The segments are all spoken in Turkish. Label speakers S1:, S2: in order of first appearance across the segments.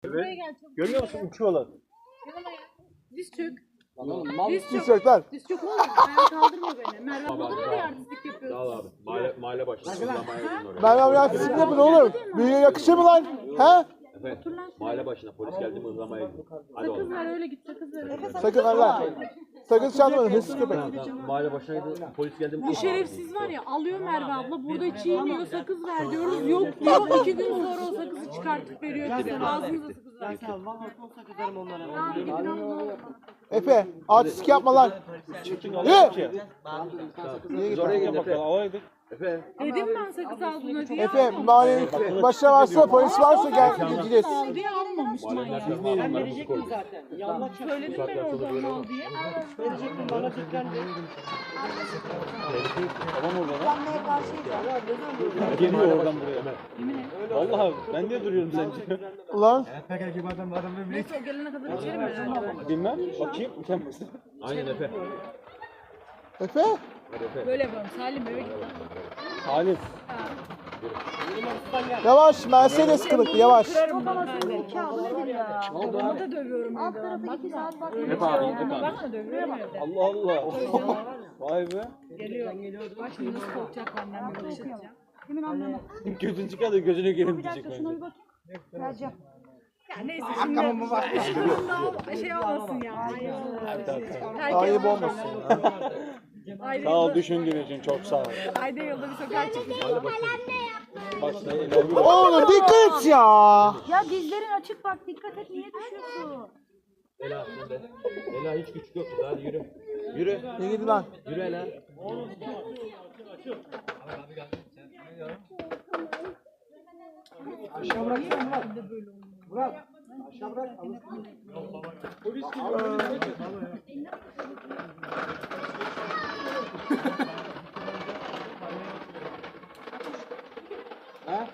S1: Evet. Görüyor musun? Uçuyorlar.
S2: Yanıma gel. Diz çök.
S1: Diz çök lan.
S2: Diz çök oğlum. Ayağa kaldırma beni. Merve abla da mı artistlik yapıyorsun?
S3: Sağ ol abi. Mahalle başına.
S1: Merve abi artistlik yapın oğlum. Büyüğe yakışır mı lan? He?
S3: Evet. Mahalle başına polis geldi mi ıhlamaya gidiyor. Hadi
S2: Sakız
S3: oğlum.
S2: ver öyle git sakız ver.
S1: Sakın Allah. Sakın çalmayın hırsız köpek.
S3: Tamam. Mahalle başına gidiyor. Polis geldi mi?
S2: Bu şerefsiz var ya alıyor Merve abla burada çiğniyor sakız ver diyoruz yok diyor 2 gün sonra o sakızı çıkartıp veriyor bize ağzınıza sakız ver. Tamam gidin alın.
S1: Efe artistlik yapma lan.
S3: Biz oraya gidelim. Efe.
S2: Dedim ben sakız aldığına diye.
S1: Efe mahallenin başına varsa polis varsa gel gideceğiz.
S2: Al diye almamış manyak.
S3: Ben verecek mi zaten?
S2: Söyledim ben orada al diye.
S4: Verecektim bana tekrar ver.
S3: Tamam orada lan.
S4: Geliyor oradan buraya.
S2: Yemin et.
S4: Vallahi ben de duruyorum sence.
S1: Ulan.
S2: Neyse o gelene kadar içerim herhalde.
S4: Bilmem. Bakayım. Utanmasın.
S3: Aynen Efe.
S1: Efe?
S3: Hadi Efe.
S2: Böyle yapalım Salim eve git.
S4: Halim.
S1: Yavaş Mercedes kılıklı yavaş.
S2: Babamı da dövüyorum evde. Bak 2 saat bak.
S4: Hep abi. Hep abi.
S2: Bakma dövüyorum evde.
S4: Allah Allah. Vay be.
S2: Geliyor. Bak şimdi nasıl korkacak benden bir bakış atacağım. Kimin anlamı?
S4: Gözün çıkar da gözüne gelin
S2: Bir
S4: diyecek
S2: dakika şuna
S4: bence.
S2: bir bakayım. Vereceğim. Ya neyse şimdi daha şey olmasın ya.
S1: Ayıp olmasın.
S2: Ayda
S4: Sağ ol
S2: yılda,
S4: düşündüğün için çok sağ ol.
S2: ayda yılda bir sokağa çıkacağız.
S4: Başta ilerliyor.
S1: Oğlum dikkat et ya.
S5: Ya dizlerin açık bak dikkat et niye düşüyorsun?
S3: Ela sen de. Ela hiç küçük yok. Hadi yürü. Yürü.
S1: Ne gidi lan?
S3: Yürü Ela.
S4: Aşağı bıraksana Murat. Murat. Aşağı bırak. Polis gibi. Ha?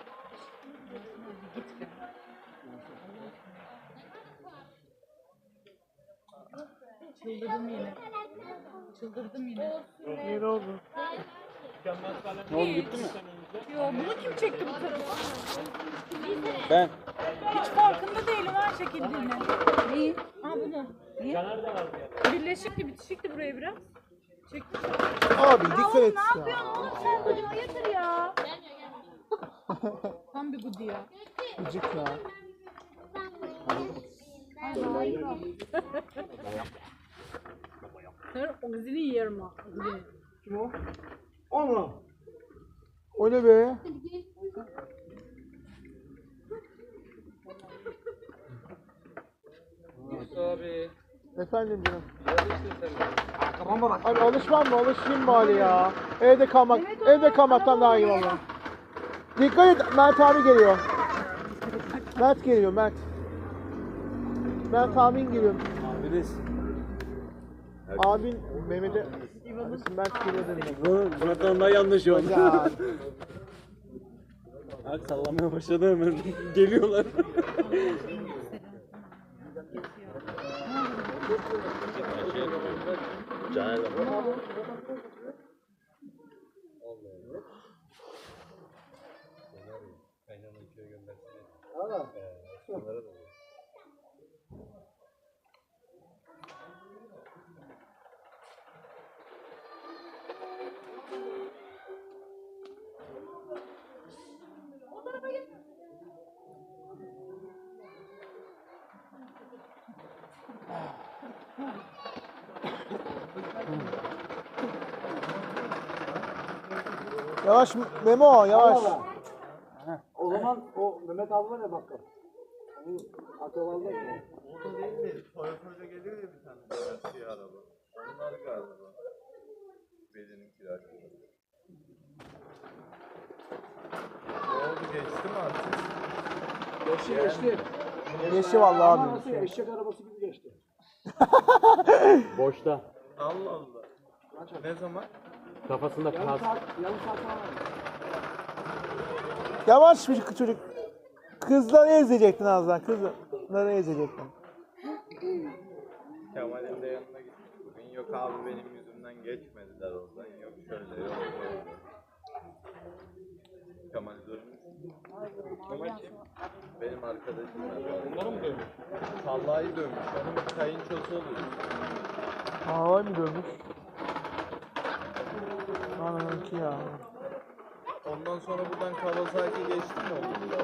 S2: Çıldırdım yine. Çıldırdım yine.
S1: Ne oldu?
S4: Ne oldu gitti mi?
S2: Yo bunu kim çekti bu tarafa?
S4: Ben.
S2: Hiç farkında değilim ha çekildiğini. Neyi? Ha bunu. Niye? Birleşikti bitişikti buraya biraz. Çektim.
S1: Abi dikkat et
S5: Ne
S1: ya.
S5: yapıyorsun oğlum sen böyle hayırdır ya?
S2: Tam bir gudi ya.
S1: Gıcık ya.
S2: Her ogzini yerim ha. Ogzini.
S4: Kim o? Onu.
S1: O ne be?
S4: Abi.
S1: Efendim canım.
S4: Kafama bak.
S1: Abi alışmam mı? Alışayım bari ya. Evde kalmaktan daha iyi valla. Dikkat et Mert abi geliyor. Mert geliyor Mert. Mert abin geliyor.
S4: Abiniz.
S1: Abin Mehmet'e Mert geliyor dedim.
S4: Murat'tan daha yanlış oldu.
S1: Ya.
S4: Bak sallamaya başladı hemen. Geliyorlar.
S3: Caner de.
S1: Yavaş Memo yavaş.
S4: O zaman o Mehmet abi var ya bakkal. Onu akıllarda mı?
S6: Orada değil mi? Toyota geliyor ya bir tane siyah araba. Onlar galiba. Belinin kiracı. Ne oldu geçti mi artık?
S4: Geçti geçti.
S1: Geçti vallahi
S4: Ama
S1: abi.
S4: nasıl eşek arabası gibi geçti.
S3: Boşta.
S6: Allah Allah. Ne zaman?
S3: Kafasında
S4: Yarım
S3: kas.
S4: saat falan var.
S1: Yavaş bir çocuk. Kızları ezecektin az daha. Kızları ezecektin.
S6: Kemal'in de yanına gittik bugün. Yok abi benim yüzümden geçmediler oradan. Yok şöyle yok böyle. Kemal durmuş. Kemal kim? Benim arkadaşım. Onların mı Vallahi dövmüş. Onun kayınçosu oluyor.
S1: Havay mı dövmüş? Ananınki ya.
S6: Ondan sonra buradan Kawasaki geçti mi oldu?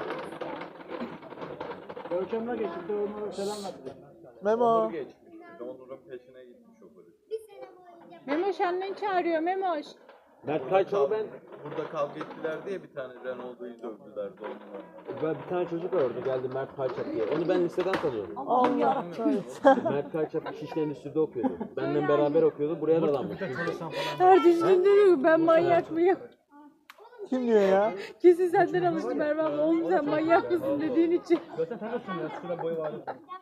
S4: Görkem'le geçti. Onlara selam verdi.
S1: Memo.
S6: Onur geçmiş. Onur'un peşine gitmiş o polis.
S2: Memoş annen çağırıyor Memoş.
S3: Mert Kayçalı ben.
S6: Burada kavga ettiler diye bir tane Renault'u dövdüler de onunla.
S3: Ben bir tane çocuk var orada geldi Mert Kayçap diye. Onu ben liseden tanıyorum.
S1: Allah
S3: Mert Kayçap Şişli Endüstri'de okuyordu. Benden beraber okuyordu. Buraya da dadanmış.
S2: Her düştüğünde diyor ki ben manyak mıyım?
S1: Kim diyor ya?
S2: Kesin senden alıştı Merve abla. Oğlum sen manyak mısın dediğin için.
S4: Zaten tanıyorsun ya. Şurada boyu var.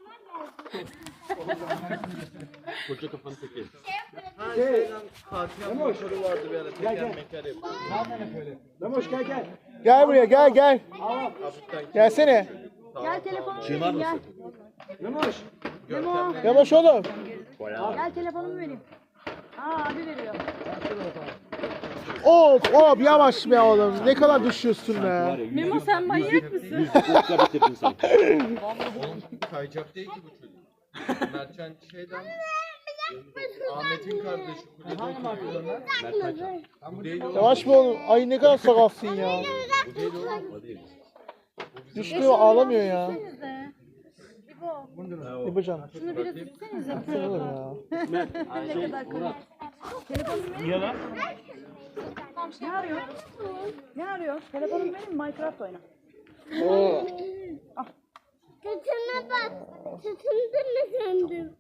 S3: Koca kafanı teki.
S6: Ha şeyden Fatih'in motoru vardı bir ara teker meker yapıyor.
S4: Memoş gel gel.
S1: Gel buraya gel.
S6: Hafiften
S1: Gelsene.
S5: Gel telefonumu
S3: Çığmar
S5: vereyim
S3: mısın?
S5: gel.
S4: Memoş.
S1: Yavaş oğlum.
S5: Gel telefonumu vereyim. Aa abi veriyor.
S1: Of yavaş be oğlum. Ne kadar düşüyorsun be.
S2: Memo sen manyak mısın?
S3: Yüzlükle bitirdin sen.
S6: kayacak değil ki bu çocuk. Mertcan şeyden Ahmet'in kardeşi kulede oturuyor.
S3: Mert Kayçap.
S6: Bu değil oğlum.
S1: Yavaş be oğlum. Ay ne kadar sakalsın ya.
S6: Bu değil oğlum.
S3: O değil.
S1: Düştü ağlamıyor ya.
S5: İbo.
S1: İbocan.
S5: Şunu biraz üstsenize.
S1: Olur ya.
S3: Murat.
S4: Niye lan?
S5: Ne arıyor? Ne arıyor? Telefonumu vereyim Minecraft oyna.
S7: Tütüne bak. Tütündün mü sandın?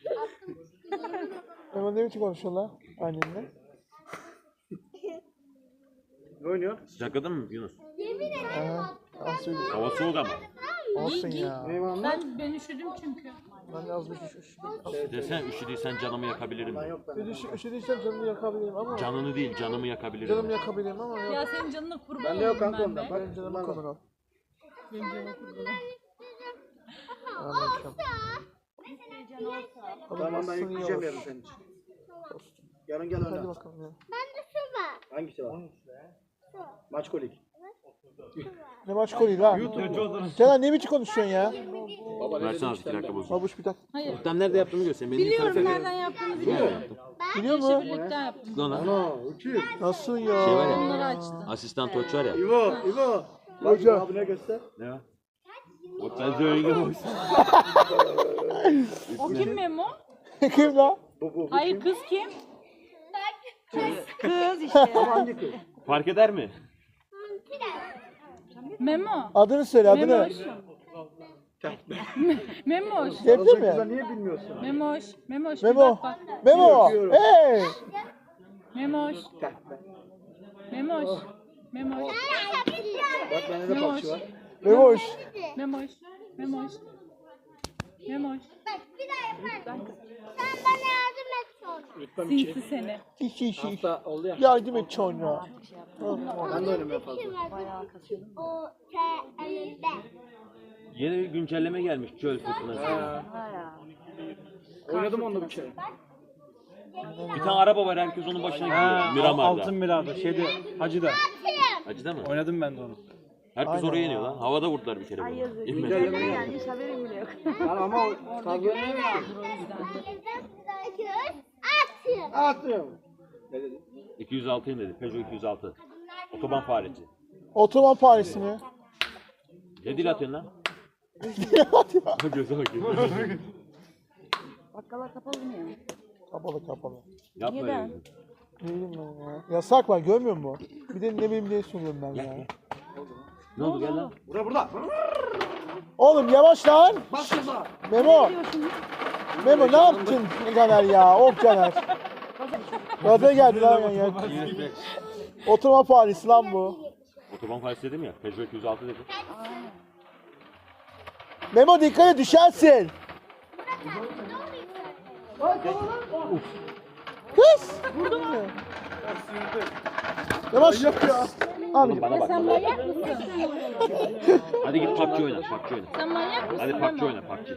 S1: Memo ne biçim konuşuyorlar annenle?
S4: Ne oynuyor?
S3: Sıcakladın mı Yunus?
S1: Aha.
S3: Hava soğuk ama.
S1: Olsun ya.
S2: Ben üşüdüm çünkü.
S1: Ben yazmış
S3: Desen üşüdüysen canımı yakabilirim.
S1: Üşüdüysem canını yakabilirim ama
S3: Canını değil canımı yakabilirim.
S1: canımı yakabilirim ama yok.
S2: Ya senin canına kurban
S4: Bende yok
S2: olurum
S4: kanka
S2: ben
S4: ondan.
S2: de.
S4: Bak
S1: Benim canımı konur o.
S2: Benim canıma kurban ol.
S1: Anlaşım.
S4: tamam ben yükleyeceğim yarın senin için. Yarın gel
S1: Hadi
S4: oyna.
S1: bakalım ya.
S7: Bende su var.
S4: Hangisi var? Maç kolik.
S1: Ne maç koyuyor lan? Canan ne biçim konuşuyorsun ya?
S3: Versene az 2 dakika bozuldu.
S1: Babuş bir dakika.
S3: Muhtem nerede yaptığımı göstereyim. Benim
S2: Biliyorum
S3: tarafa-
S2: nereden yaptığını
S3: Biliyor
S2: biliyorum.
S3: musun?
S1: Biliyor musun?
S2: Birlikte yaptım.
S3: Lan lan.
S4: Ana uçuyor.
S1: Nasıl ya?
S3: Şey var ya.
S2: Onları açtı.
S3: Asistan Toç var ya.
S4: İbo. Bak
S1: Hoca.
S4: abine göster.
S3: Ne var? O sen söyle
S2: O kim Memo?
S1: Kim lan?
S4: Bu.
S2: Hayır kız kim?
S5: Kız işte.
S4: Hangi kız?
S3: Fark eder mi?
S2: Memo.
S1: Adını söyle adını.
S2: Memoş. Memoş.
S1: Sevdi
S4: Kızlar
S1: mi?
S4: niye bilmiyorsun?
S2: Memoş. Memoş. Bir
S1: Memo.
S2: bak bak.
S1: Memo.
S4: Öpüyorum.
S1: Hey.
S2: Memoş. Memoş. Memoş.
S4: Bak bende de
S2: Memoş.
S4: pakçı var.
S1: Memoş.
S2: Memoş. Memoş. Memoş.
S7: Bak bir daha yaparım. Sen bana yardım et sonra.
S4: Rütbem 2.
S2: Sinsi seni.
S1: Şiş.
S4: Hafta oldu ya.
S1: Yardım et çocuğa.
S4: Ben de oynamaya fazla.
S7: O T-L-D.
S3: Yeni bir güncelleme gelmiş çöl fırtınası.
S4: Oynadım onunla bir kere.
S3: Bir tane araba var herkes onun başına gidiyor. Miramar'da.
S4: Altın Mirada şeyde Hacı'da.
S3: Acıda mı?
S4: Oynadım ben de onu.
S3: Herkes oraya iniyor lan. Havada vurdular bir kere bunu. İnmedi.
S4: Güncelleme
S5: Gelmiş haberim bile yok.
S4: Yani ama o fazla
S7: Atın.
S4: atıyorum. Ne dedi?
S3: 206 dedi. Peugeot 206. Otoban faresi.
S1: Otoban Paris'i mi?
S3: Ne dil atıyorsun lan? Göze bak.
S5: Bakkallar kapalı mı ya?
S1: Kapalı.
S3: Yapma öyle.
S1: Ne bileyim ben ya. Yasak var görmüyor musun? Bir de ne bileyim diye soruyorum ben ya.
S3: Ne oldu gel lan?
S4: Burada.
S1: Oğlum yavaş lan.
S4: Bak şurada.
S1: Memo. Memo ne yaptın Caner ya? Of Caner. Gaza geldi lan ya. Oturma Paris lan bu.
S3: Otoban faresi dedim ya. Peugeot 206 dedim.
S1: Memo dikkat et düşersin. Kız. Vurdu mu? Yavaş. Abi
S3: Bana bak.
S2: Sen manyak mısın?
S3: Hadi git PUBG oyna. PUBG oyna.
S2: Sen manyak mısın
S3: Hadi PUBG
S2: Memo?
S3: oyna PUBG.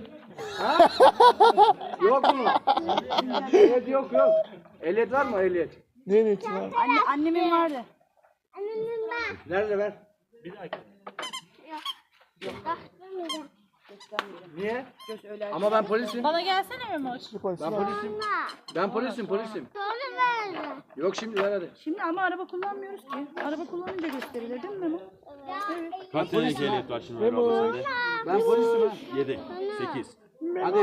S4: Yok mu? Ehliyet yok. Ehliyet var mı ehliyet?
S1: ne niyetin var?
S5: Annemin vardı.
S7: Annemin ben.
S4: Nerede ver?
S5: göstermeyeceğim.
S4: Niye?
S5: Göz öyle.
S3: Ama ben polisim.
S2: Bana gelsene Memoş.
S3: Ben polisim. Ben polisim.
S7: Sonra ver.
S3: Yok şimdi ver hadi.
S5: Şimdi ama araba kullanmıyoruz ki. Araba kullanınca gösterilir değil mi Memo?
S6: Kaç tane ehliyet var şimdi
S1: Memo.
S6: abla sende?
S3: Ben polisim ha.
S6: 7, 8.
S3: Hadi.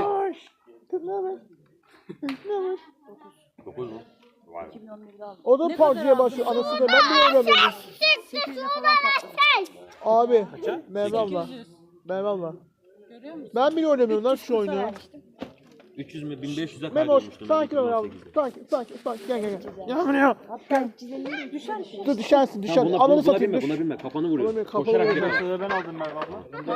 S6: 9 mu?
S5: 2011'de aldım.
S1: O da PUBG'ye başlıyor. Anasını ben bile oynamıyorum.
S5: 800'e falan patladı.
S1: Abi. Merve abla. Merve abla.
S2: Görüyor musun?
S1: Ben bile oynamıyorum lan şu oyunu.
S5: Vermiştim.
S6: 300 mü 1500'e
S1: Memoş.
S6: kaydolmuştum.
S1: Sakin ol abi. Sakin. Gel. Gel buraya.
S5: Hatta 350'ye düşer mi?
S1: Dur düşersin.
S3: Buna,
S1: Ananı
S3: buna
S1: satayım.
S3: binme,
S1: Dur.
S3: buna binme. Kafanı vuruyor.
S1: Oğlum, kafanı
S3: Koşarak
S1: vuruyor.
S3: gidiyor.
S4: Mesela ben aldım Merve abla.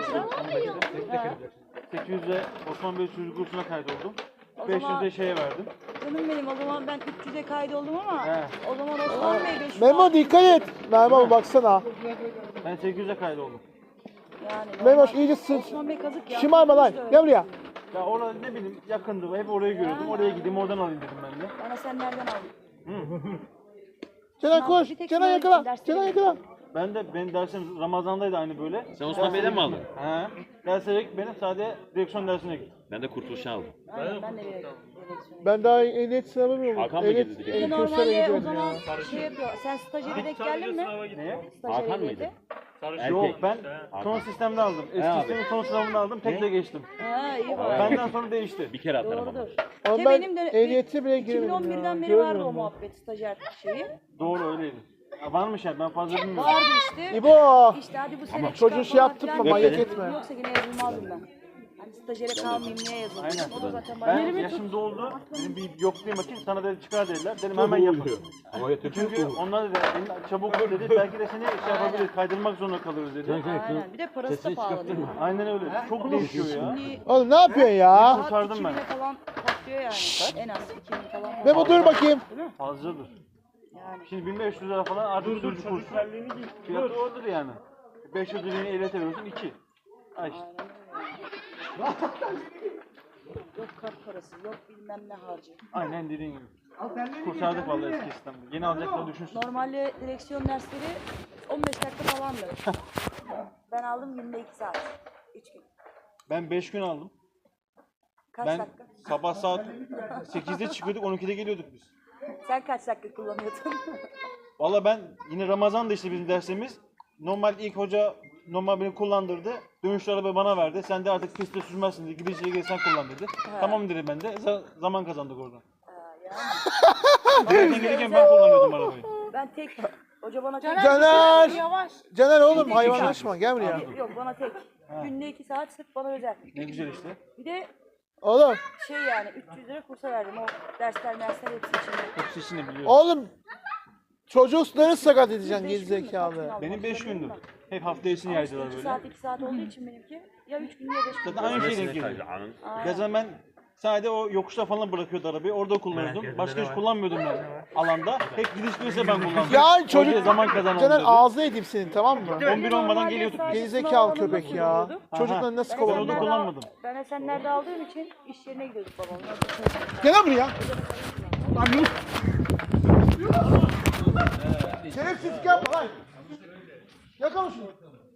S4: 800'e Osman Bey çocuk kursuna kaydoldum.
S5: O zaman-
S4: 500'e şeye verdim.
S5: Canım benim o zaman ben 300'e kaydoldum ama
S4: He.
S5: o zaman Osman Bey 500
S1: Memo dikkat et. Merve abla baksana.
S4: Ben 800'e kaydoldum.
S5: yani.
S1: Memoş
S5: normal.
S1: iyice sırt.
S5: Osman Bey kazık ya.
S1: Şımarma lan.
S5: Konuştu öyle.
S1: Gel buraya.
S4: Ya orada ne bileyim yakındı. Hep orayı görüyordum. Oraya gideyim oradan alayım dedim ben de.
S5: Bana sen nereden aldın?
S1: Kenan koş.
S5: Bir tek
S1: Kenan
S5: şunlar
S1: yakala.
S5: için dersleri
S1: Kenan
S5: veriyorum.
S1: yakala.
S4: Ben de benim dersim Ramazan'daydı aynı böyle.
S6: Sen Osman Bey'den mi aldın?
S4: He. Derslere benim sadece direksiyon dersine gittim.
S6: Ben de kurtuluşa aldım.
S5: Aynen ben de bir
S1: Ben daha ehliyet sınavı mı
S6: Hakan mı
S1: Ehliyet
S6: girdi?
S5: Bir de
S1: kurslara
S5: normalde o
S1: gidiyorum
S5: zaman
S1: ya.
S5: şey yapıyor. Sen stajyere denk geldin mi?
S4: Neye?
S5: Stajyer
S6: Hakan
S5: ehliyeti.
S6: mıydı?
S4: Yok
S6: Erkek.
S4: ben son sistemde aldım. Eski
S3: abi.
S4: sistemin son sınavını aldım. Tekle geçtim.
S5: Ha iyi bak.
S4: Benden sonra değişti.
S6: Bir kere atarım ama.
S5: Doğrudur.
S1: Ama
S5: Ya
S1: ben
S5: benim de
S1: ehliyete bile giremedim ya.
S5: 2011'den beri vardı o
S1: Görmüyorum ben.
S5: muhabbet stajyer şeyi.
S4: Doğru öyleydi. Ya varmış yani ben fazla bilmiyorum.
S5: Vardı işte.
S1: İbo.
S5: İşte hadi bu sene
S1: çocuğu
S5: çıkar
S1: şey
S5: falan
S1: yaptık
S5: filan
S1: mı,
S5: diye.
S1: manyak etme.
S5: Yoksa yine yazılmazdım ben. Hani stajyere kalmayayım niye yazıldım?
S4: Aynen.
S5: O da zaten
S4: Ben
S5: bana
S4: yaşım doldu. Benim bir yoklayayım bakayım sana dedi çıkar dediler. Dedim hemen yapın.
S3: Ama yatırıyor.
S4: Çünkü onlar dedi çabuk ol dedi. Belki de seni şey yapabiliriz. Kaydırmak zorunda kalırız dedi.
S5: Aynen. Bir de parası da pahalı. değil mi?
S4: Aynen öyle. Çok değişiyor ya.
S5: Şimdi
S1: Oğlum ne yapıyorsun ya?
S5: saat
S4: kurtardım ben.
S5: 2000'e falan patlıyor yani. En az 2000 falan.
S1: Memo dur bakayım.
S4: Fazladır.
S5: Yani.
S4: Şimdi 1500 lira falan artık sürücü kursu. Fiyatı odur yani. 500 liraya ehliyet veriyorsun 2. Ha işte.
S5: Yok kart parası, yok bilmem ne harcı.
S4: Aynen dediğin gibi. Kurtardık vallahi eski sistemde. Yeni alacaklarını düşünsün.
S5: Normalde direksiyon dersleri 15 dakika falandı. Ben aldım 22 saat. 3 gün.
S4: Ben 5 gün aldım.
S5: Kaç
S4: Ben
S5: dakika?
S4: sabah saat 8'de çıkıyorduk 12'de geliyorduk biz.
S5: Sen kaç dakika kullanıyordun?
S4: Valla ben yine Ramazan'da işte bizim dersimiz. Normal ilk hoca normal beni kullandırdı. Dönüşlü arabayı bana verdi. Sen de artık pistte sürmezsin dedi. Gideceğe gel sen kullan dedi. Tamam dedim ben de. Zaman kazandık orada. Zaten gelirken ben kullanıyordum arabayı.
S5: Ben tek. Hoca bana tek.
S1: Caner.
S2: Yavaş.
S1: Caner oğlum hayvanlaşma gel buraya.
S5: Yok bana tek. Günde 2 saat sırf bana özel.
S4: Ne güzel işte.
S5: Bir de
S1: Oğlum.
S5: şey yani 300 lira kursa verdim. O dersler hepsi içinde.
S4: Hepsi işini biliyorum.
S1: Oğlum. Çocukları sakat edeceksin
S5: 5
S1: geri
S5: gün mü?
S1: zekalı.
S5: Kaç gün aldım?
S4: Benim 5
S5: Hatırlamıyorum
S4: gündür.
S5: da.
S4: Hep hafta içini yaydılar
S5: 2
S4: böyle.
S5: saat 2 saat olduğu için benimki ya 3 gün ya 5 gün.
S4: Zaten aynı şey denk geliyor. Gezen ben sadece o yokuşta falan bırakıyordu arabayı. Orada kullanıyordum. Başka hiç kullanmıyordum ben alanda. Hep gidiş gelirse ben kullandım.
S1: Ya çocuk.
S4: Hocaya zaman kazanalım
S1: Caner
S4: dedi.
S1: ağzına edeyim senin tamam mı?
S4: 11 olmadan
S5: Normalde
S4: geliyorduk.
S5: sadece
S1: Gerizekalı
S5: sınav alanında
S1: köpek ya.
S5: kullanıyordum.
S1: Çocukları nasıl
S4: Ben
S1: kovalıyor?
S4: orada kullanmadım.
S5: Ben Esenler'de aldığım için iş yerine gidiyorduk babamla.
S1: Gel lan buraya. Şerefsizlik yapma lan. Yakala şunu.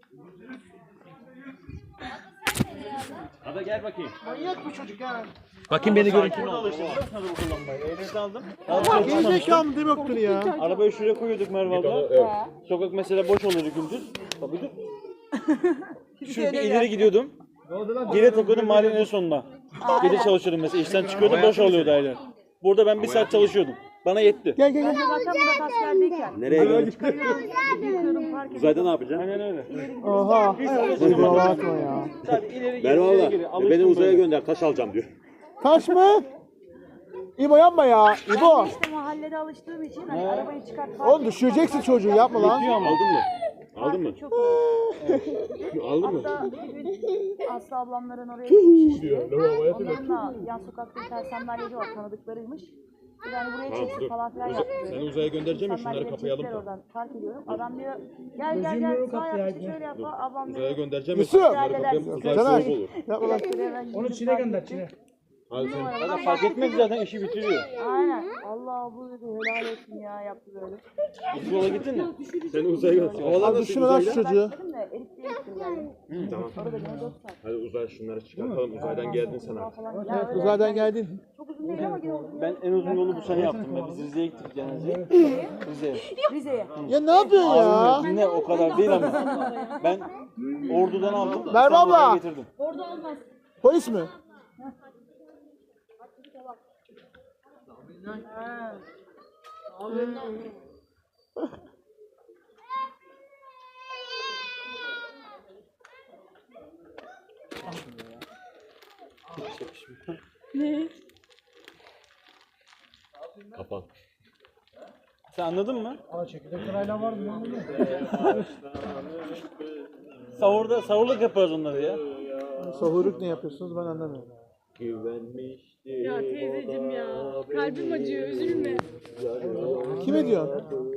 S6: Hadi gel bakayım.
S1: Manyak bu çocuk ya.
S3: Bakayım beni görün.
S4: Burada alıştım. Nasıl kullanmayı? Ehliyet aldım.
S1: Gerizekalı mı demektir ya?
S4: Arabayı şuraya koyuyorduk Merve abla. Sokak mesela boş oluyordu gündüz. Tabii dur. Şu bir ileri gidiyordum. Geri takıyordum mahallenin en sonuna. Gece çalışıyordum mesela. İşten çıkıyordum boş oluyordu aynen. Burada ben bir saat çalışıyordum. Bana yetti.
S1: Gel gel gel.
S5: Zaten Murat askerdeyken.
S3: Nereye gidiyorsun?
S5: Yıkıyordum park
S3: Uzayda ne yapacaksın?
S4: Aynen öyle.
S1: Oha. Kusura bakma ya.
S4: Sadece ileri geri,
S3: Merhaba.
S4: ileri geri.
S3: Beni
S4: Alıştım
S3: uzaya
S4: böyle.
S3: gönder taş alacağım diyor.
S1: Taş mı? İbo yapma ya. İbo.
S5: Ben işte mahallede alıştığım için hani arabayı çıkart park
S1: Oğlum düşüreceksin çocuğu yapma lan.
S4: Yetiyor ama.
S3: Aldın mı? Aldın mı?
S5: çok iyi.
S3: Aldın mı?
S5: Hatta bir gün Aslı ablamların oraya gitmiş işte. Onların da yan sokakta bir tane sandalyeci var tanıdıklarıymış. Bir hani buraya çeksin falan filan yaptı.
S3: Seni uzaya göndereceğim ya şunları
S5: Sandalyeleri
S3: kapayalım
S5: çektiler
S3: da.
S5: oradan fark ediyorum. Adam diyor gel gel gel sağ yap işte şöyle yap. Ablam
S3: Uzaya
S5: diyor.
S3: göndereceğim ya
S1: Yusuf.
S3: şunları kapayalım. Uzay
S1: Caner.
S3: soğuk olur.
S1: Yapma lan.
S5: Onu Çin'e gönder Çin'e.
S3: Hadi sen.
S4: Zaten fark etmez zaten işi bitiriyor.
S5: Aynen. Allah bu dedi helal olsun ya yaptı böyle.
S4: İlk yola gittin mi?
S3: Sen uzaya götür.
S1: Abi düşünme lan şu çocuğu.
S5: Dedim de Elif diye gittim yani.
S3: Tamam.
S5: Orada beni 4 saat.
S3: Hadi uzay şunları çıkartalım. Uzaydan geldin sen artık.
S5: Falan. Ya öyle
S1: Uzaydan geldin.
S5: çok uzun değil ama gene uzun.
S4: Ben en uzun yolu bu sene yaptım. Biz Rize'ye gittik cenazeye. Rize'ye.
S5: Rize'ye.
S1: Ya ne yapıyorsun ya?
S4: Abim dinle o kadar değil ama. Ben Ordu'dan aldım.
S1: Merve
S4: İstanbul'a
S1: abla.
S4: getirdim.
S2: Orada olmaz.
S1: Polis mi?
S2: Ne?
S3: Kapan.
S4: Sen anladın mı? Sahurluk yaparız onları ya.
S1: Sahurluk ne yapıyorsunuz ben anlamıyorum.
S3: Güvenmişti.
S2: Ya teyzeciğim ya. Kalbim acıyor, üzülme.
S1: Kime diyorsun?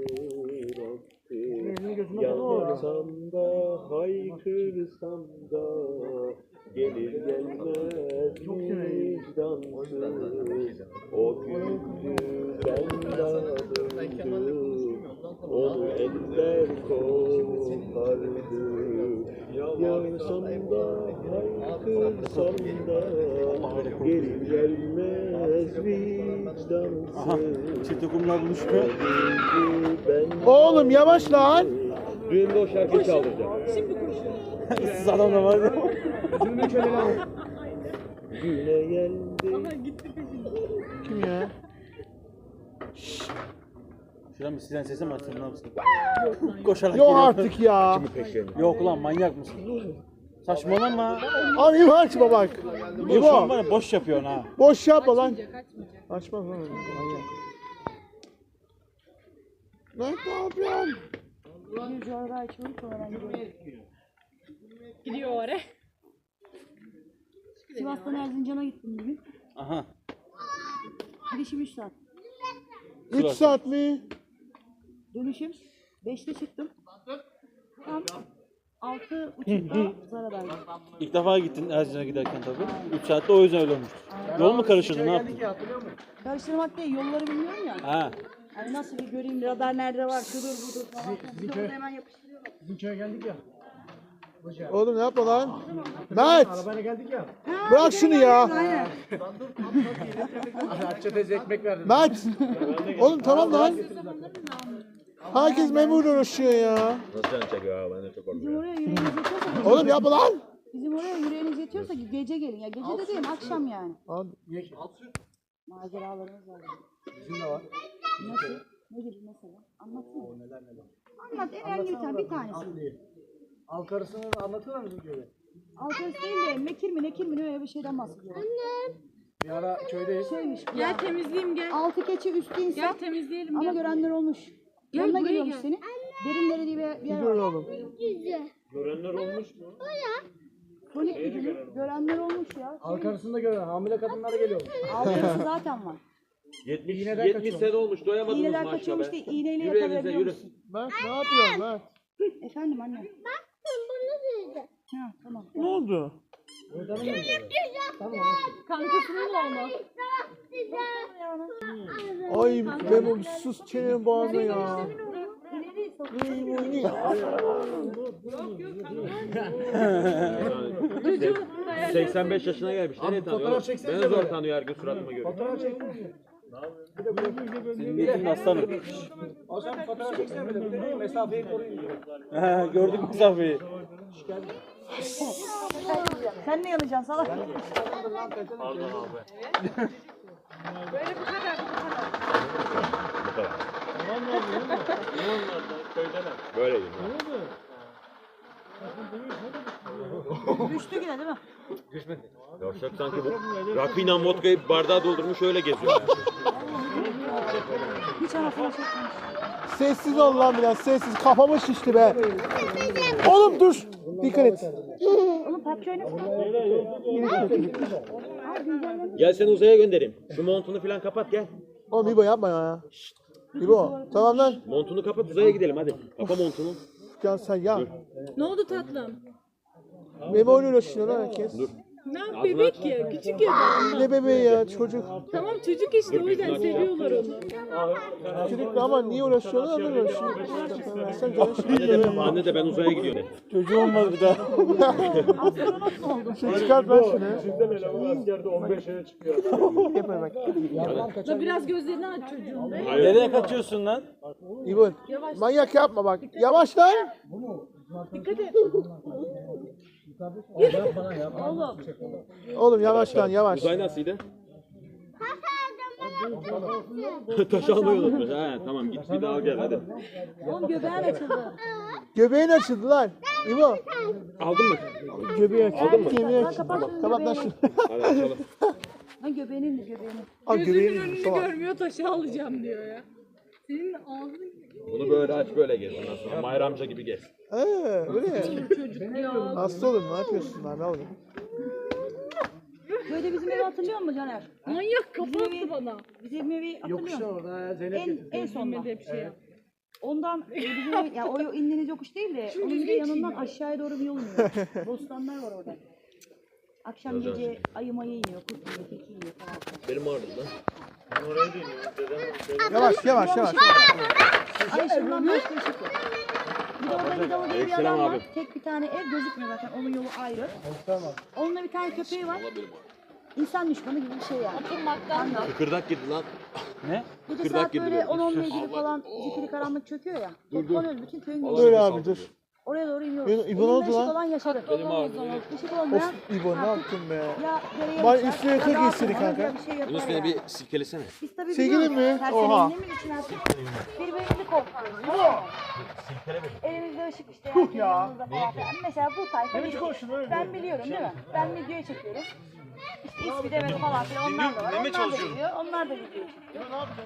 S3: Yansam da haykırsam da gelir gelmez vicdansız. O gündü ben dağıldım, onu eller kopardı. Yansam da haykırsam da gelir gelmez vicdansız.
S4: Çifte kumlar buluşmuyor.
S1: Oğlum yavaş lan.
S3: Düğünde o şarkıyı çaldıracağım.
S4: Siz adam da var ya.
S3: Güne geldi.
S1: Kim ya?
S4: Şuradan bir siren sesi mi açsın ne yapsın? Koşarak
S1: Yok
S4: geliyor.
S1: artık ya.
S4: Yok lan manyak mısın? Saçmalama.
S1: Abi İbo açma bak.
S4: Bu şu an
S1: İbo.
S4: bana boş yapıyorsun ha.
S1: Boş yapma lan.
S2: Kaçmayacak.
S1: Açmaz lan. Manyak. Ne yapıyorsun?
S5: Bir coğrafya açıyorum sonra ben gidiyorum.
S2: Gidiyor oraya.
S5: Sivas'tan Erzincan'a gittim bugün.
S4: Aha.
S5: Gidişim 3 saat.
S1: 3 saat mi?
S5: Dönüşüm 5'te çıktım. Tam 6.30'da Zara'daydım.
S4: İlk defa gittin Erzincan'a giderken tabii. 3 saatte o yüzden öyle olmuş. Yol mu karıştırdı ne yaptın?
S5: Karıştırmak değil, yolları bilmiyorum ya.
S4: Ha.
S5: Hani nasıl bir göreyim, radar nerede var, şudur budur falan. Bir de orada hemen yapıştırıyorlar.
S1: Oğlum ne yapma lan? Mert. Bırak şunu ya. Mert. Oğlum tamam lan. Herkes memurla uğraşıyor ya.
S3: Nasıl can çekiyor abi? Ben de çok
S5: Bizim oraya yüreğiniz yetiyorsa,
S1: Oğlum yapma lan.
S5: bizim oraya yüreğiniz yetiyorsa gece gelin. Ya gece de değil, akşam yani.
S1: Abi,
S5: Maceralarımız var. Bizim de var. Nasıl? Ne gibi mesela? Anlatsana. Anlat, herhangi bir tanesi.
S8: Alkarısını anlatır mısın köyde?
S5: Alkarıs değil de mekir mi nekir mi öyle bir şeyden bahsediyorlar.
S8: Bir ara köydeyiz.
S5: Şeymiş bu
S2: Gel
S5: ya.
S2: temizleyeyim gel.
S5: Altı keçi üstü insan
S2: Gel temizleyelim
S5: ama
S2: gel.
S5: görenler olmuş.
S2: Gel,
S5: Yanına
S2: buraya
S5: geliyormuş
S2: gel.
S5: seni. Derinleri diye bir yer
S1: dur
S5: var.
S1: oğlum.
S3: Görenler olmuş mu?
S5: Kronik gücünü görenler olmuş ya.
S8: Alkarısını da gören hamile kadınlar geliyor.
S5: Alkarısı zaten var.
S3: 70 sene olmuş doyamadınız
S5: İğneden
S3: maçta
S5: kaçıyormuş
S3: be.
S5: değil, iğneyle
S3: Yürü evinize
S5: yakalayabiliyor
S3: yürü.
S5: musun?
S1: Mert ne yapıyorsun Mert?
S5: Efendim anne. Ha tamam.
S1: Ne oldu?
S2: Kankasının oğlu.
S1: Ay Memo sus çenenin boğazına ya.
S3: 85 yaşına gelmiş. Nereye tanıyor?
S8: fotoğraf çeksene
S3: Beni zor
S8: böyle.
S3: tanıyor her gün suratıma görüyor.
S8: Fotoğraf çektin mi?
S4: Senin niyetin aslanım.
S8: O zaman fotoğraf çeksene böyle. Bir de mesafeyi koruyun diyor.
S4: Ha, gördük mesafeyi.
S5: Sen ne yanacaksın salak?
S3: Pardon abi.
S2: Böyle bu kadar.
S3: Bu kadar. Böyleyim.
S5: Düştü yine değil mi?
S3: Yavşak sanki bu rakıyla vodkayı bardağa doldurmuş öyle geziyor. Yani.
S5: Hiç anasını çekmemiş.
S1: Sessiz ol lan biraz sessiz. Kafamı şişti be. Oğlum dur. Dikkat et.
S5: Oğlum PUBG oynasana.
S3: Gel seni uzaya göndereyim. Şu montunu falan kapat gel.
S1: Oğlum İbo yapma ya. İbo tamam lan.
S3: Montunu kapat uzaya gidelim hadi. Kapa montunu.
S1: Can sen ya.
S2: Ne oldu tatlım?
S1: Memo ile uğraşıyor lan herkes.
S3: Dur.
S2: Ne bebek ya, küçük ya daha.
S1: Ne bebeği ya çocuk.
S2: Tamam çocuk işte o yüzden seviyorlar onu.
S1: Çocuk da ama niye uğraşıyorlar anlamıyorum şimdi. Versen canı şimdi.
S3: Anne de ben uzaya gidiyorum.
S4: Çocuğu olmadı bir daha.
S1: Şimdi çıkart ver şunu.
S8: Bizden eleman askerde 15 sene çıkıyor.
S1: Yapma bak.
S2: Da biraz gözlerini aç çocuğun be.
S4: Nereye kaçıyorsun lan?
S1: İbon. Manyak yapma bak. Yavaş lan.
S2: Dikkat et. Oğlum.
S1: Oğlum yavaş lan yavaş.
S3: Uzay nasılydı? Taş almayı unutmuş. Ha tamam git bir daha gel hadi.
S5: Oğlum göbeğin açıldı.
S1: Göbeğin açıldı lan. İbo.
S3: Aldın mı?
S1: Göbeği açıldı. Göbeği açıldı. Kapat lan şunu.
S3: Hadi açalım.
S5: Lan göbeğinin mi göbeğinin?
S1: Al
S2: Gözünün
S1: göbeğini.
S2: önünü
S1: Tamam.
S2: görmüyor taşı alacağım diyor ya. Senin ağzın
S3: Bunu böyle aç böyle gez ondan sonra. Mahir amca gibi gez.
S1: Öyle ya.
S2: çocuk ya.
S1: Hasta olur ne yapıyorsun lan ne oluyor?
S5: Böyle bizim evi hatırlıyor musun Caner?
S2: Manyak kafa attı bana.
S5: Bizim evi hatırlıyor musun?
S8: Orada Zeynep
S5: En sonda.
S2: Bilmedi hep şey yap.
S5: Ondan bizim ev, yani o indiğiniz yokuş değil de onun bir de yanından aşağıya doğru bir yol iniyor. Bostanlar var orada. Akşam gece ayı mayı iniyor, kurt iniyor, tilki iniyor falan.
S3: Benim ağrıdı lan.
S1: Yavaş yavaş yavaş.
S5: Ay ışığından başka ışık yok. Bir de orada Hidalı diye bir
S3: Aleykümselam
S5: adam var.
S3: abi.
S5: Tek bir tane ev gözükmüyor zaten. Onun yolu ayrı. Onunla bir tane köpeği var. İnsan düşmanı gibi bir şey yani. Kangal.
S3: Kıkırdak girdi lan.
S4: Ne?
S5: Gece
S3: Kıkırdak
S5: saat
S3: girdi
S5: böyle
S3: böyle.
S5: 10-11 gibi falan zifiri karanlık çöküyor ya. Toplanıyoruz bütün köyün gençleri.
S1: Dur abi dur.
S5: Oraya doğru iniyoruz.
S1: İbo ne oldu
S5: Elinde
S1: lan?
S5: ışık olan yaşadı. Işık olmayan
S1: Of İbo ne yaptın be?
S5: ya dereye
S1: Bay
S5: uçar,
S1: üstüne
S5: ya
S1: yatak
S5: dağa
S1: giyseydik
S5: tırmanır,
S1: kanka.
S5: ya bir şey yapar
S3: Bunun üstüne
S5: ya.
S3: bir silkelesene.
S5: Biz tabii
S1: Sevgili
S5: biliyoruz,
S1: mi?
S5: her
S1: Oha.
S5: sene indiğimiz için artık birbirimizi korkutuyoruz. Elimizde ışık işte. Yani yanımızda falan filan. Mesela bu tayfa biliyor. Ben biliyorum değil mi? Ben videoya çekiyorum. İşte ismi demedi falan filan onlar da var. Onlar da biliyor. Onlar da video çekiyor.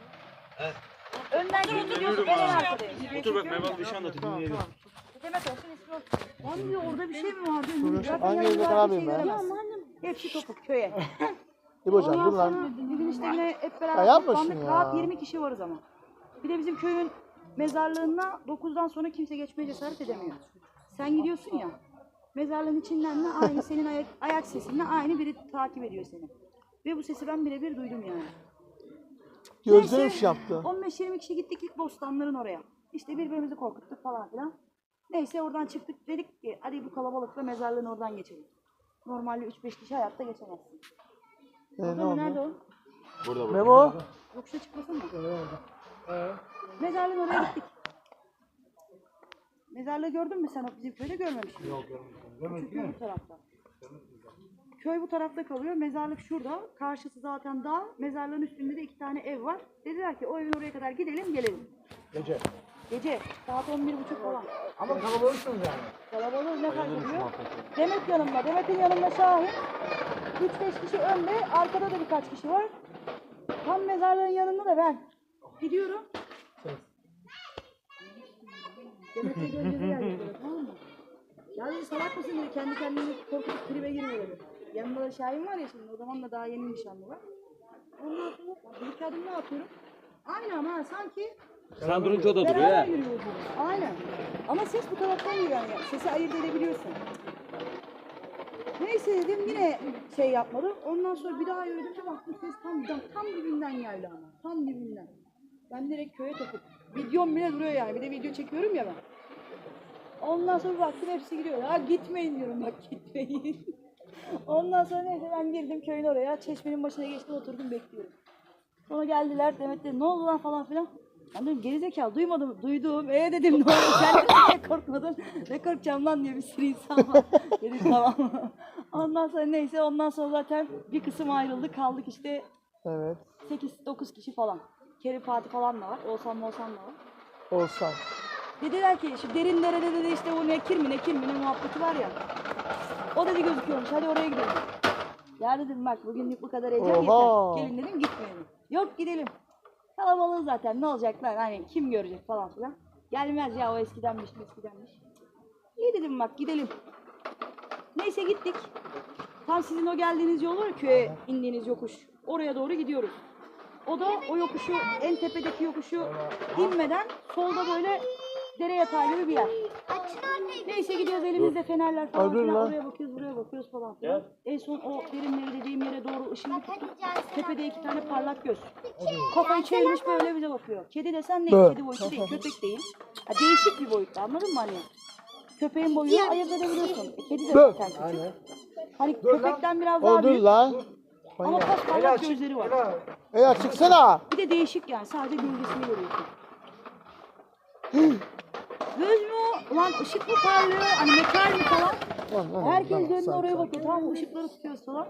S5: Önden gidiyorsun. En arkadayım.
S4: Otur bak Mervan bir şey anlatayım dinleyelim.
S5: Demet olsun ismi olsun. Lan diyor orada bir şey mi var diyor. Zaten
S1: Hangi
S5: yanımda
S1: evde
S5: bir
S1: karar
S5: şey
S1: verin ben?
S5: göremezsin. Hepsi topuk köye.
S1: İbocan dur
S5: Ondan
S1: lan.
S5: sonra bir gün işte yine hep
S1: Ya
S5: beraber
S1: yapma
S5: toplandık.
S1: şunu ya.
S5: Rahat 20 kişi varız ama. Bir de bizim köyün mezarlığına 9'dan sonra kimse geçmeye cesaret edemiyor. Sen gidiyorsun ya. Mezarlığın içinden de aynı senin ayak sesinle aynı biri takip ediyor seni. Ve bu sesi ben birebir duydum yani.
S1: Gözlerim şey yaptı.
S5: 15-20 kişi gittik ilk bostanların oraya. İşte birbirimizi korkuttuk falan filan. Neyse oradan çıktık dedik ki hadi bu kalabalıkla mezarlığın oradan geçelim. Normalde 3-5 kişi hayatta geçemezsin.
S1: Ne
S5: Orada mı?
S1: oldu?
S5: Nerede o?
S3: Burada.
S1: Memo.
S5: Yokuşa çıkmasın mı? Mezarlığın oraya gittik. Mezarlığı gördün mü sen? Bizim köyde görmemişsin. Yok görmedim. Köy bu tarafta. Köy bu tarafta kalıyor. Mezarlık şurada. Karşısı zaten dağ. Mezarlığın üstünde de 2 tane ev var. Dediler ki o evin oraya kadar gidelim gelelim.
S8: Gece.
S5: Gece. Saat 11.30 falan.
S8: Ama kalabalıksınız yani.
S5: Kalabalık ne fark ediyor? Demet yanımda. Demet'in yanında Şahin. 3-5 kişi önde. Arkada da birkaç kişi var. Tam mezarlığın yanında da ben. Gidiyorum. Demet'e gözleri geldi böyle, tamam mı? Ya dedi salak mısın dedi. Kendi kendini korkutup tribe girme dedi. Yanında da Şahin var ya şimdi. O zaman da daha yeni nişanlı var. Ondan sonra bir iki adım ne yapıyorum? Aynı ama ha, sanki
S3: Sen durunca o da duruyor
S5: beraber
S3: ya.
S5: yürüyoruz. Aynen. Ama ses bu taraftan geliyor yani. Sesi ayırt edebiliyorsun. Neyse dedim yine şey yapmadım. Ondan sonra bir daha yürüdüm de baktım ses tam dibinden geldi ama. Tam dibinden. Ben direkt köye takıp. Videom bile duruyor yani. Bir de video çekiyorum ya ben. Ondan sonra baktım hepsi gidiyor. Ya gitmeyin diyorum bak gitmeyin. Ondan sonra neyse ben girdim köyün oraya. Çeşmenin başına geçtim oturdum bekliyorum. Sonra geldiler Demet dedi ne oldu lan falan filan. Ben dedim gerizekalı duymadım. Duydum. Dedim ne oldu sen niye korkmadın? Ne korkacağım lan diye bir sürü insan var. Dedim tamam. Ondan sonra neyse ondan sonra zaten bir kısım ayrıldı. Kaldık işte
S1: Evet.
S5: 8-9 kişi falan. Kerim Fatih falan da var. Oğuzhan da var.
S1: Olsan.
S5: Dediler ki şu derin derede dedi işte bu nekir mi ne muhabbeti var ya. O dedi gözüküyormuş hadi oraya gidelim. Ya dedim bak bugünlük bu kadar heyecan
S1: Oha.
S5: yeter. Gelin dedim gitmeyelim. Yok gidelim. Kalabalığı zaten ne olacak lan hani kim görecek falan filan. Gelmez ya o eskidenmiş. İyi dedim bak gidelim. Neyse gittik. Tam sizin o geldiğiniz yol var ya köye indiğiniz yokuş. Oraya doğru gidiyoruz. O da o yokuşu en tepedeki yokuşu inmeden solda böyle dere yatağı gibi bir yer. Neyse gidiyoruz elimizde fenerler falan
S1: Dur
S5: filan.
S1: lan.
S5: Oraya bakıyoruz, buraya bakıyoruz falan filan. En son o derinleri dediğim yere doğru ışığını tuttuk. Tepede 2 tane parlak göz. Kafayı çevirmiş böyle bize bakıyor. Kedi desen ne? Kedi boyutu değil, köpek değil. Ha, değişik bir boyutta, anladın mı hani? Köpeğin boyunu ayırt edebiliyorsun. Kedi de zaten küçük. Hani köpekten biraz daha
S1: Dur
S5: büyük
S1: lan.
S5: ama pasparlak gözleri var.
S1: Ela çıksana.
S5: Bir de değişik yani, sadece gölgesini görüyorsun. Göz mü o? Ulan ışık mı parlıyor? Hani metal mi falan? Herkes dönüp oraya bakıyor. Tamam mı? Işıkları tutuyoruz falan.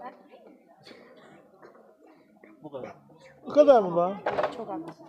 S1: Bu kadar mı lan?
S5: Çok haklısın.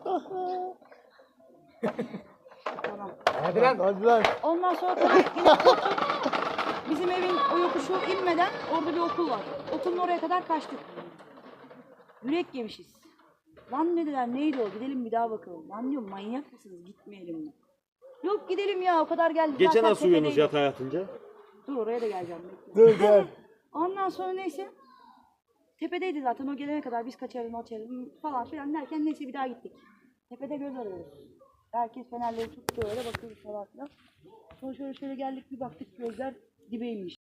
S5: Tamam.
S1: Hadi lan.
S5: Ondan sonra tabii yine koptuk. Bizim evin o yokuşu inmeden orada bir okul var. Okulun oraya kadar kaçtık. Yürek yemişiz. Lan dediler, neydi o? Gidelim bir daha bakalım. Lan diyorum, manyak mısınız? Gitmeyelim mi? Yok gidelim ya, o kadar geldik.
S4: Geçen
S5: zaten
S4: nasıl uyuyorsunuz
S5: tepedeydik.
S4: yatağa yatınca?
S5: Dur oraya da geleceğim. Bekle.
S1: Dur gel.
S5: Ondan sonra neyse. Tepedeydi zaten, o gelene kadar biz kaçarız falan filan derken neyse bir daha gittik. Tepede göz arıyoruz. Herkes fenerleri tuttu, öyle bakıyoruz falan filan. Sonra şöyle geldik, bir baktık gözler dibeymiş.